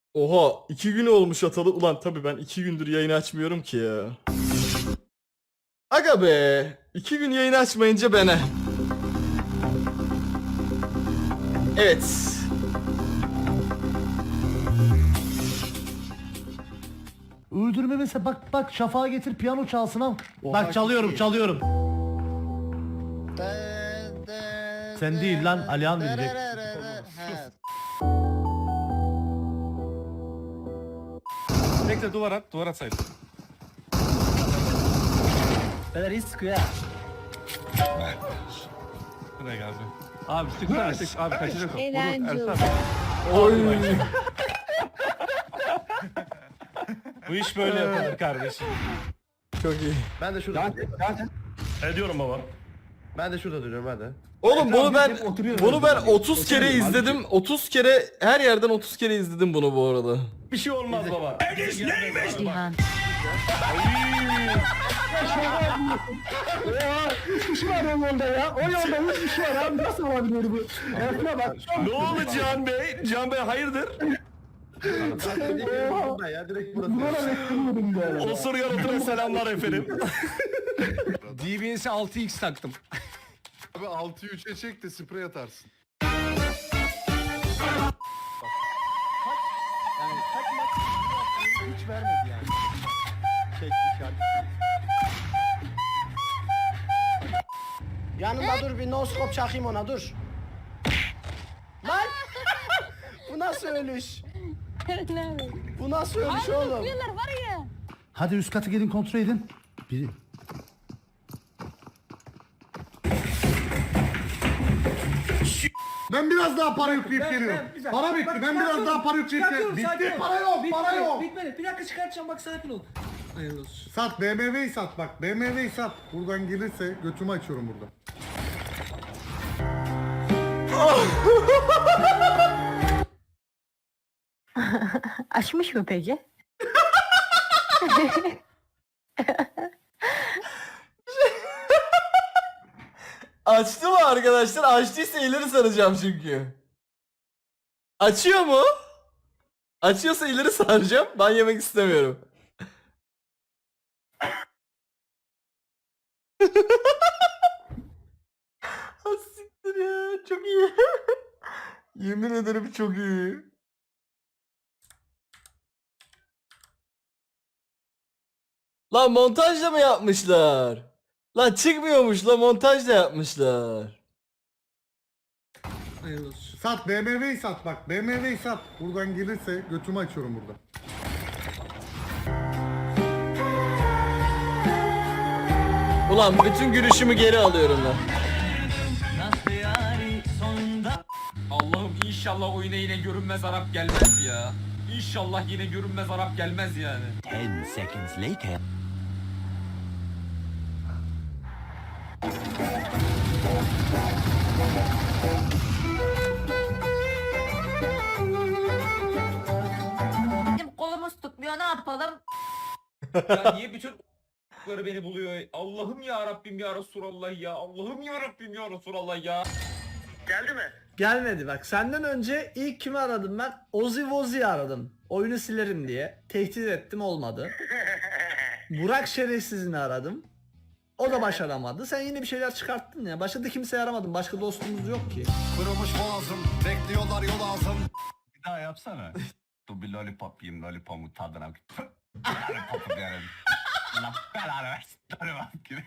Oha 2 gün olmuş atalı. Ulan tabii ben 2 gündür yayın açmıyorum ki ya. Aga be. 2 gün yayın açmayınca bana. Evet. Öldürme mesela bak Şafak'a getir piyano çalsın al. Bak çalıyorum. Sen değil lan, Alihan bilecek. Bekle duvar at sayın. Beyler iyi sıkıyor ya. Buraya geldi. Abi sıksana sık abi kaçacak o. Eğlenceli. Vurur, Ersan. Oy. Bu iş böyle yapılır kardeşim. Çok iyi. Ben de şurada. Ediyorum baba. Ben de şurada duruyorum hadi. Oğlum bunu ben 30 kere izledim. 30 kere her yerden 30 kere izledim bunu bu arada. Bir şey olmaz baba. Cihan. Ne oldu Cihan Bey? Cihan Bey hayırdır? Ya direkt burası. Osur yaratına selamlar efendim. DBS'e 6x taktım. Abi 6'yı 3'e çek de sprey atarsın. Hiç vermedi yani. Çek işaret. Yanında dur bir noskop çakayım ona dur. Lan! Bu nasıl ölüş? Bu nasıl ölüş oğlum? Var ya. Hadi üst katı gelin kontrol edin. Biri. Ben biraz daha para yükleyip geliyorum. Para bitti. Ben biraz daha para yükleyip geliyorum. Bitti. Para yok. Bitmedi. Bir dakika çıkartacağım bak sakin ol. Hayırlı olsun. Sat BMW'yi sat bak. BMW'yi sat. Buradan gelirse götümü açıyorum burada. Açmış mı peki? Açtı mı arkadaşlar? Açtıysa ileri saracağım çünkü. Açıyor mu? Açıyorsa ileri saracağım. Ben yemek istemiyorum. Ha siktir ya. Çok iyi. Yemin ederim çok iyi. Lan montajla mı yapmışlar? Lan çıkmıyormuş la montajla yapmışlar. Hayırlı olsun. Sat BMW'yi sat bak. BMW'yi sat. Buradan gelirse götümü açıyorum burada. Ulan bütün gülüşümü geri alıyorum lan. Allah'ım inşallah oyuna yine görünmez Arap gelmez ya. İnşallah yine görünmez Arap gelmez yani. 10 seconds later. Bizim kolumuz tutmuyor ne yapalım? Ya niye bütün ***'ları beni buluyor? Allah'ım ya Rabbim ya Resulallah ya. Allah'ım ya Rabbim ya Resulallah ya. Gelmedi bak. Senden önce ilk kimi aradım ben? Ozzy Wozi'yi aradım. Oyunu silerim diye. Tehdit ettim olmadı. Burak Şerefsiz'ini aradım. O da başaramadı. Sen yine bir şeyler çıkarttın ya. Başka da kimseye aramadın. Başka dostumuz yok ki. Kırılmış boğazım. Bekliyorlar yol ağzım. Bir daha yapsana. Dur bir lollipop yiyeyim, lollipop'un tadına. Lollipop'u derim. Allah belanı versin. Lollipop gibi.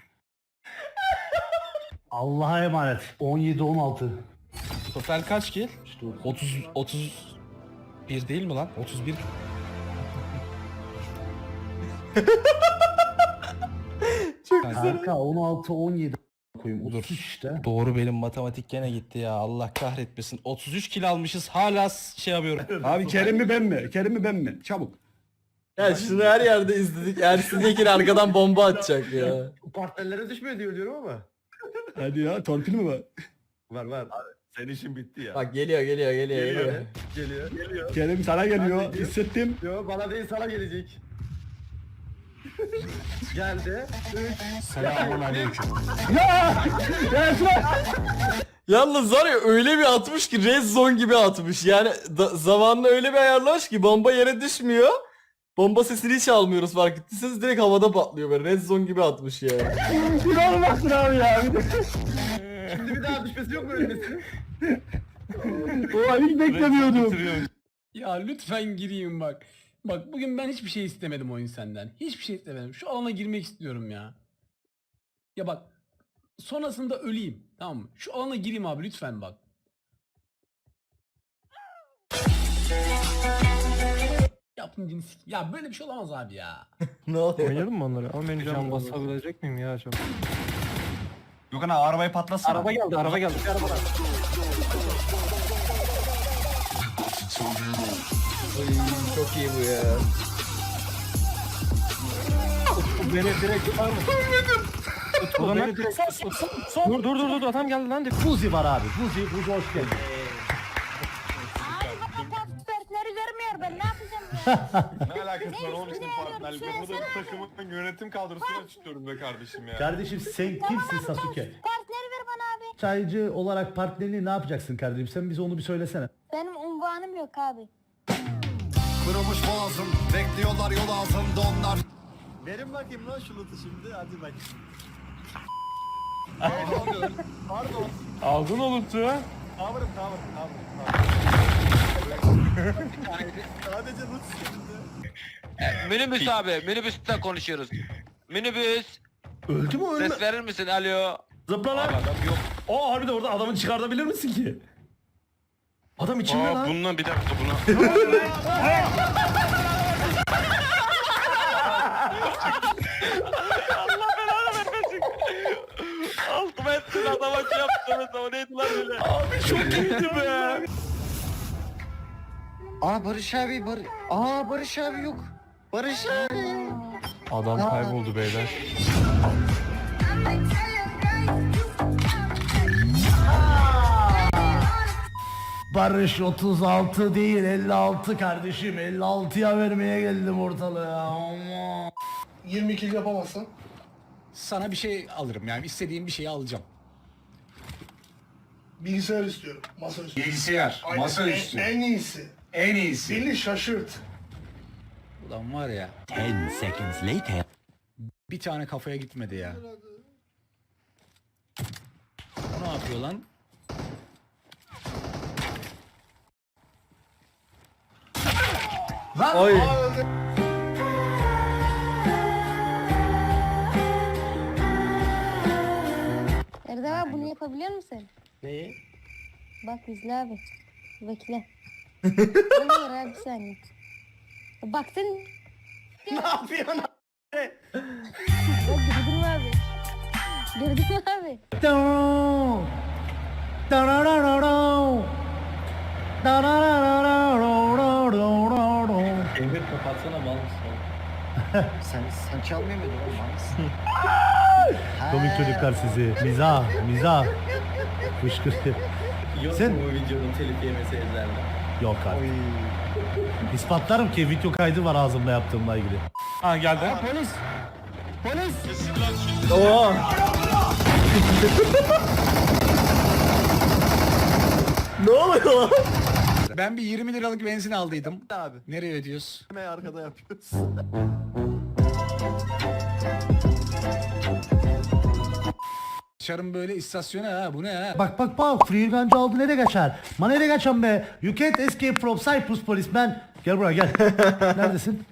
Allah'a emanet. 17-16. Total kaç kill? 31 değil mi lan? 31. Çok güzel. Kanka 16-17 koyayım. Dur. 30 işte. Doğru benim matematik gene gitti ya. Allah kahretmesin. 33 kill almışız hala şey yapıyorum. Abi Kerim mi ben mi? Kerim mi ben mi? Çabuk. Ya şunu her yerde izledik. Ersin Yekin arkadan bomba atacak ya. Partnerlere düşmüyor diyorum ama. Hadi ya torpil mi var? Var. Senin işin bitti ya. Bak geliyor. Geliyor. Kerim sana geliyor. Hissettim. Yo bana değil sana gelecek. Geldi. 3. Selamun aleyküm. Ya! Yalnız var ya öyle bir atmış ki red zone gibi atmış. Yani zamanla öyle bir ayarlamış ki bomba yere düşmüyor. Bomba sesini hiç almıyoruz fark ettiyseniz direkt havada patlıyor böyle red zone gibi atmış ya. İnanılmazsın abi ya. Şimdi bir daha düşmesi yok mu ölmesi? O hiç beklemiyordum. Ya lütfen gireyim bak. Bak bugün ben hiçbir şey istemedim oyun senden. Hiçbir şey istemedim. Şu alana girmek istiyorum ya. Ya bak. Sonrasında öleyim. Tamam mı? Şu alana gireyim abi lütfen bak. Yaptın cinsi. Ya böyle bir şey olamaz abi ya. Ne oluyor? Oynayalım mı onları? Ama ben can basabilecek miyim ya acaba? Gökhan abi arabayı patlatsana. Araba geldi. Bir araba var. Çok iyi bu ya. Beni direkt tutar mı? Beni direkt Dur adam geldi lan. Fuzi var abi. Fuzi hoş geldin. Partneri vermiyor ben ne yapacağım? Ne alakası var oğlum bizim partnerlikle? Burada bir takımın yönetim kadrosuna çıkıyorum be kardeşim ya. Kardeşim sen kimsin Sasuke? Partneri ver bana abi. Çaycı olarak partnerini ne yapacaksın kardeşim? Sen bize onu bir söylesene. Benim unvanım yok abi. Kırılmış boğazım, bekliyorlar yol altında onlar. Verin bakayım lan şu loot'u şimdi. Hadi bak. Pardon. Aldın o loot'u. Cover'ım. Sadece loot şimdi. Minibüs abi, minibüsten konuşuyoruz. Minibüs, Öldü mü ses verir misin? Alo. Zıpla lan. Adam yok. O harbi de orada adamı çıkartabilir misin ki? Adam içinde lan. Bununla bir dakika buna. Altıma ettin adama şey yaptınız ama neydi lan öyle? Abi çok iyiydi be. Aa Barış abi yok. Barış abi. Adam kayboldu beyler. Barış 36 değil 56 kardeşim. 56'ya vermeye geldim ortalığa. 22 yapamazsın. Sana bir şey alırım yani istediğim bir şeyi alacağım. Bilgisayar istiyorum. Masa üstü. Bilgisayar, Aynen, masaüstü. En iyisi. En iyisi. Beni şaşırt. Ulan var ya. 10 seconds later. Bir tane kafaya gitmedi ya. O ne yapıyor lan? Oy. Erdem abi bunu yapabiliyor musun? Neyi? Bak izle abi. Bekle. Olur abi bir saniye. Baktın. Ne yapıyorsun? Bak gördün mü abi? Gördün mü abi? Emir kapatsana mal mısın? sen çalmıyor muydun oğlum mal mısın? Komik çocuklar sizi. Mizah. Fışkırtı. Yok Sen- mu bu videonun telif yemesi ellerle? Yok abi. İspatlarım ki video kaydı var ağzımda yaptığımla ilgili. Ha geldi. Oo. Ne oluyor lan? Ben bir 20 liralık benzin aldıydım. Abi. Nereye ödüyoruz? Hemen arkada yapıyoruz. Dışarım böyle istasyona ha bu ne ha? Bak free gun'cı aldı nereye kaçar? Ma nereye kaçan be? You can't escape from Cyprus policeman. Gel buraya gel. Neredesin?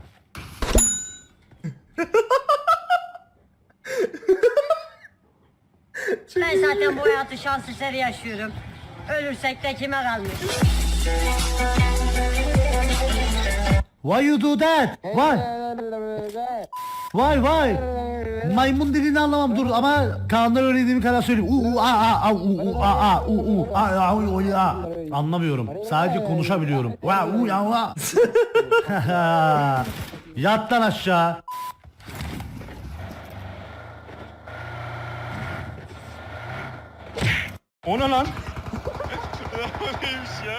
Ben zaten bu hayatı şans eseri yaşıyorum. Ölürsek de kime kalmış? Why you do that? Why? Maymun dediğini anlamam dur ama Kaan'dan öğrendiğim kadar söyleyeyim. Anlamıyorum. Sadece konuşabiliyorum. Yat lan aşağı. O ne lan? Neymiş ya?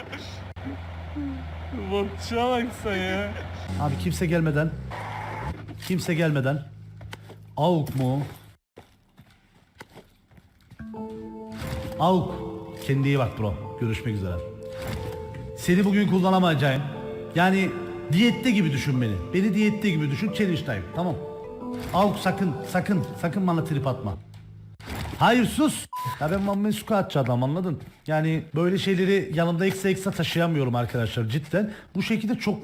Botçuğa bak sen ya. Abi kimse gelmeden. AUK mu? AUK. Kendine iyi bak bro. Görüşmek üzere. Seni bugün kullanamayacağım. Yani diyette gibi düşün beni. Beni diyette gibi düşün. Challenge time. Tamam. Al sakın bana trip atma. Hayır sus. Ya ben Mammesuka atçı adam anladın. Yani böyle şeyleri yanımda eksa taşıyamıyorum arkadaşlar cidden. Bu şekilde çok...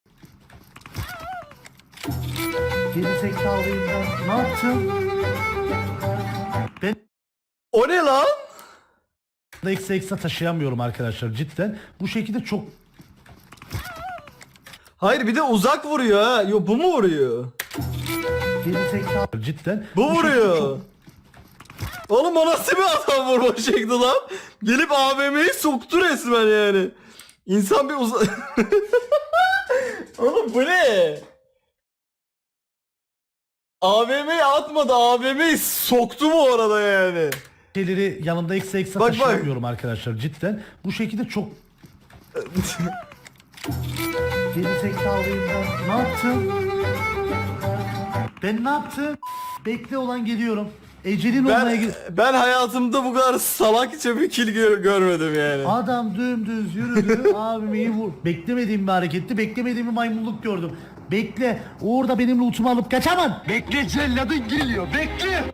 Geri zekalıyım ben. Ne yaptım? Ben O ne lan? eksa taşıyamıyorum arkadaşlar cidden. Bu şekilde çok... Hayır bir de uzak vuruyor ha. Yo bu mu vuruyor? Geri zekalı cidden. Bu şekilde vuruyor. çok- Oğlum o nasıl bir adam vurma şekli lan? Gelip AVM'yi soktu resmen yani. İnsan bir Oğlum bu ne? AVM'yi atmadı, AVM'yi soktu bu arada yani. şeyleri yanımda eksa Bak, bak. taşıyamıyorum arkadaşlar cidden. Bu şekilde çok... Geri zekalıyım ben. Ne yaptım? Ben ne yaptım? Bekle olan geliyorum. Ecelin olmaya Ben hayatımda bu kadar salakça bir kill görmedim yani. Adam dümdüz yürüdü. Abimi iyi vur. Beklemediğim bir hareketti. Beklemediğim bir maymunluk gördüm. Bekle. Orada benim lootumu alıp kaçamam. Bekle celladın geliyor bekle.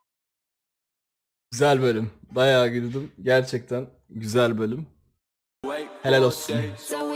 Güzel bölüm. Bayağı güldüm. Gerçekten güzel bölüm. Helal olsun.